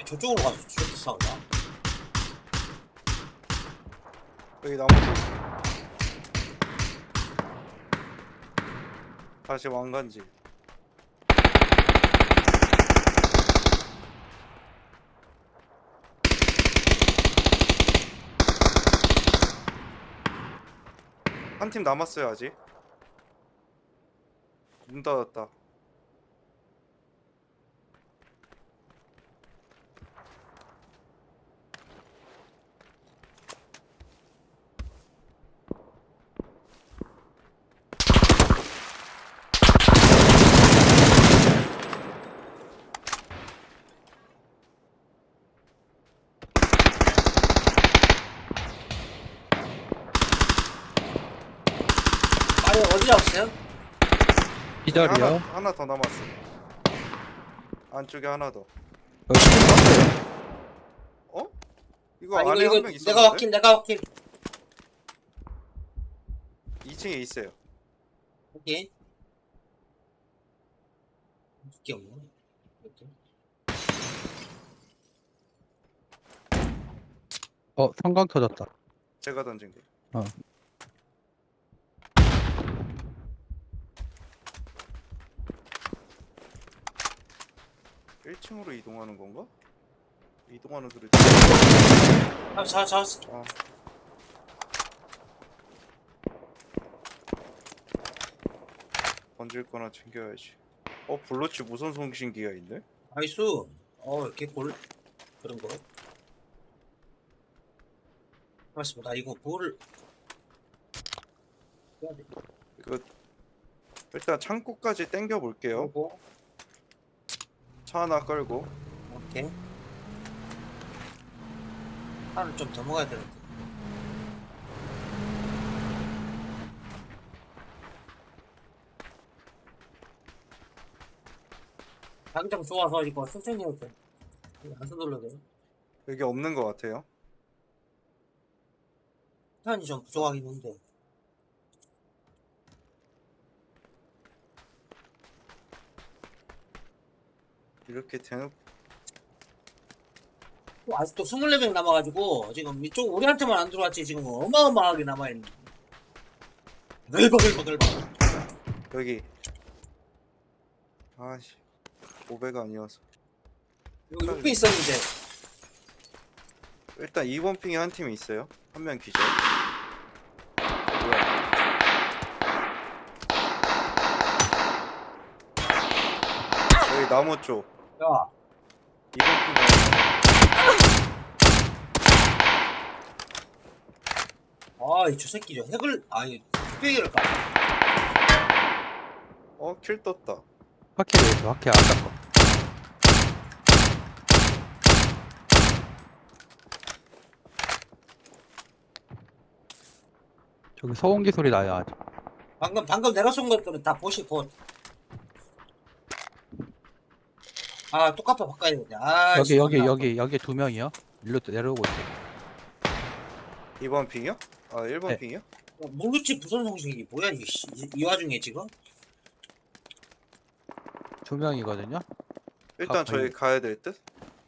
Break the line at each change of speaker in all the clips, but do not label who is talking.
저쪽으로 가서 저쪽 싸우자.
여기 나무도 다시 왕관지. 한 팀 남았어요. 아직 문 닫았다.
아니 어디 잡았어요?
기절이요.
하나 더 남았어. 안쪽에 하나 더.
여기 팀 떴어요.
어? 이거
아니
안에
이거
한 명 있었는데?
내가 확킬.
2층에 있어요.
오케이. 두께 없네. 이렇게.
성광 터졌다.
제가 던진 거.
어.
일 1층으로 이동하는 건가? 이동하는 소리.
아, 잡았어.
아. 던질 거나 챙겨야지. 블로치 무선 송신기가 있네?
나이스. 이렇게 골 그런 거. 맞습니다. 이거 볼을 해야 돼.
이거 일단 창고까지 땡겨 볼게요.
그리고
차 하나 끌고.
오케이. 차를 좀 더 먹어야 되는데. 당장 좋아서 이거 선생님한테 안 서둘러도 돼요.
여기 없는 것 같아요.
시간이 좀 부족하긴 한데.
이렇게 대놓고
또 아직도 24명 남아가지고 지금 이쪽 우리한테만 안 들어왔지 지금 어마어마하게 남아있는. 글벅글벅글벅.
여기. 아씨 500 아니어서.
여기 옆에 있었는데.
일단 2번 핑에 한 팀이 있어요. 한 명 기절. 뭐야? 여기 나무 쪽.
야,
2번 핑에.
저 새끼 저 핵을 뚝배기를 까.
킬 떴다.
확실히 있어. 확실히 아까 거. 저기 소음기 소리 나요 아직.
방금 내가 쏜 것들은 다 보시고. 똑같아 바꿔야 되냐.
여기 두 명이요. 일로 내려오고 있어.
2번 핑이요? 1번
네.
핑이요?
모르지 무슨 정식이 뭐야 이게 이 와중에 지금?
두 명이거든요.
일단 저희 가야 될 듯?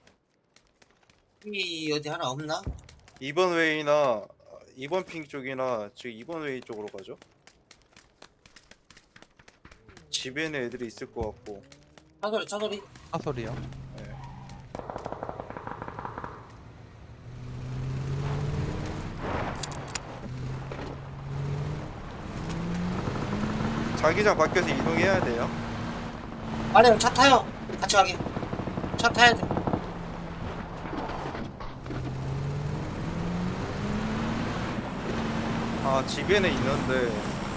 이 어디 하나 없나?
2번 웨이나 2번 핑 쪽이나 지금 2번 웨이 쪽으로 가죠. 집에는 애들이 있을 것 같고.
차소리.
사소리요.
네. 자기장 밖에서 이동해야 돼요.
아니면 차 타요. 같이 가게. 차 타야 돼.
집에는 있는데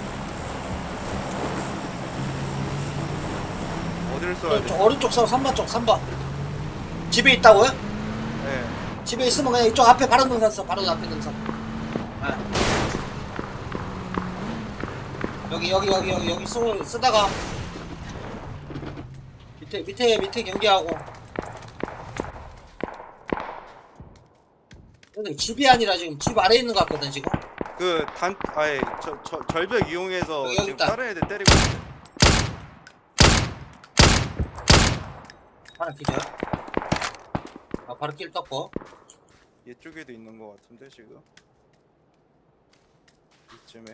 어디를 써야 돼?
오른쪽 서 3번 쪽 3번. 집에 있다고요?
네.
집에 있으면 그냥 이쪽 앞에 바로 능선 써. 바로 앞에 능선. 여기 쓰다가 밑에 경계하고. 근데 집이 아니라 지금 집 아래에 있는 것 같거든 지금.
절벽 이용해서
여기
지금
있다.
다른 애들 때리고 있어요.
하나 기절. 아, 바로 킬 떴고.
얘쪽에도 있는 것 같은데 지금 이쯤에.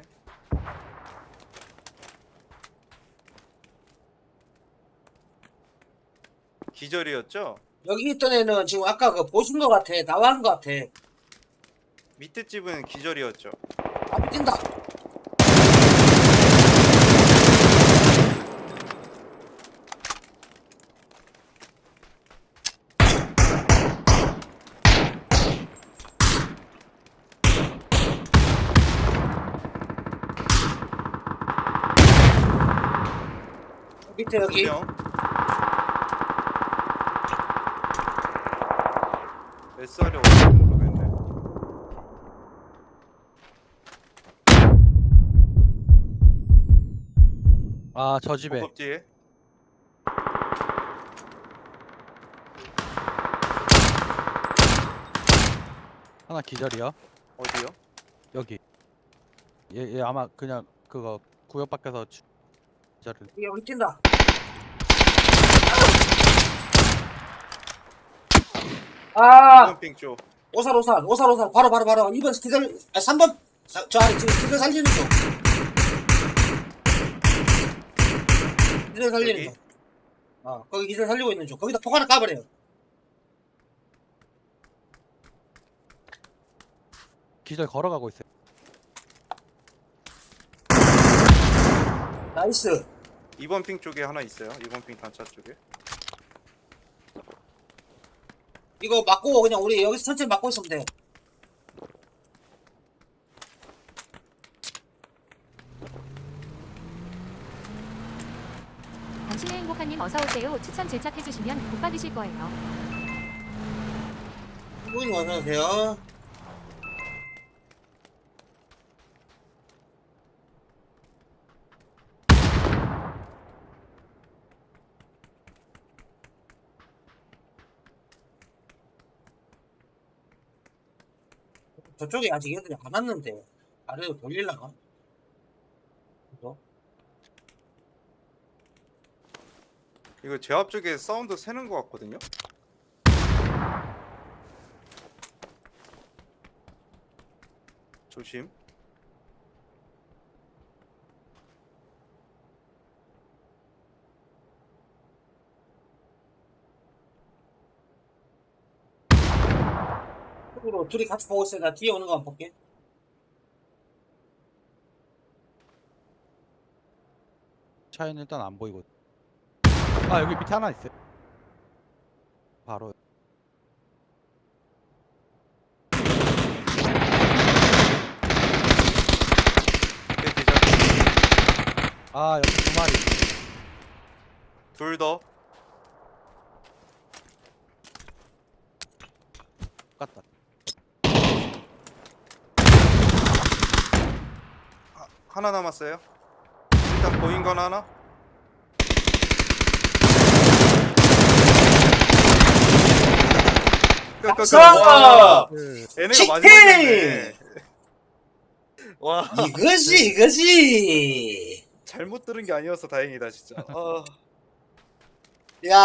기절이었죠?
여기 있던 애는 지금 아까 그 보신 것 같아. 나와한 것 같아.
밑에 집은 기절이었죠.
앞에 뛴다. 밑에 여기.
2명. SR이 어딘지 모르겠네.
아, 저 집에.
법 뒤에.
하나 기절이요.
어디요?
여기. 얘 아마 그냥 그거 구역 밖에서 기절을.
여기 뛴다. 아,
이번 핑 쪽.
오살. 바로. 2번 기절, 아, 3번. 저 안에 지금 기절 살리는 중. 기절 살리는
여기?
중. 거기 기절 살리고 있는 중. 거기다 폭 하나 까버려요.
기절 걸어가고 있어요.
나이스.
이번 핑 쪽에 하나 있어요. 이번 핑 단차 쪽에.
이거 맞고 그냥 우리 여기서 천천히 맞고 있으면 돼.
당신의 행복한님 어서오세요. 추천 제작해주시면 복 받으실 거예요.
부모님 어서오세요. 저쪽에 아직 애들이 안 왔는데 아래로 돌릴라나? 그죠?
이거 제 앞쪽에 사운드 새는 것 같거든요. 조심.
쪽으로 둘이 같이 보고 있어요. 나 뒤에 오는 거 한번 볼게.
차에는 일단 안 보이고. 아, 여기 밑에 하나 있어요. 바로.
밑에 기절.
아, 여기 두 마리.
둘 더.
똑같다.
하나 남았어요. 일단 보인 건 하나. 와,
그,
얘네가
치킨!
마지막이었네. 와,
이거지.
잘못 들은 게 아니어서 다행이다 진짜.
야,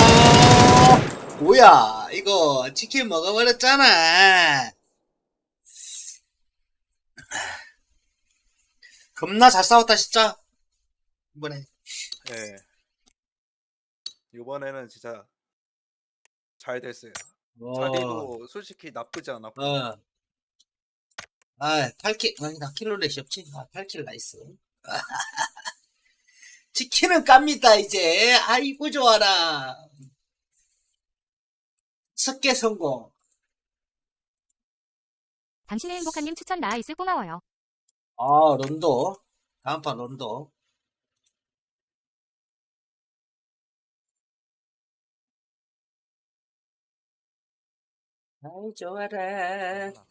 뭐야? 이거 치킨 먹어버렸잖아. 겁나 잘 싸웠다 진짜. 이번에.
예. 이번에는 진짜 잘 됐어요. 자리도 솔직히 나쁘지 않았고.
아, 8킬, 아니, 나 킬로렛이 없지? 8킬 나이스. 치킨은 깝니다, 이제. 아이고, 좋아라. 석계 성공.
당신의 행복한님 추천 나이스 고마워요.
런도. 다음 판 런도. 아이, 좋아라.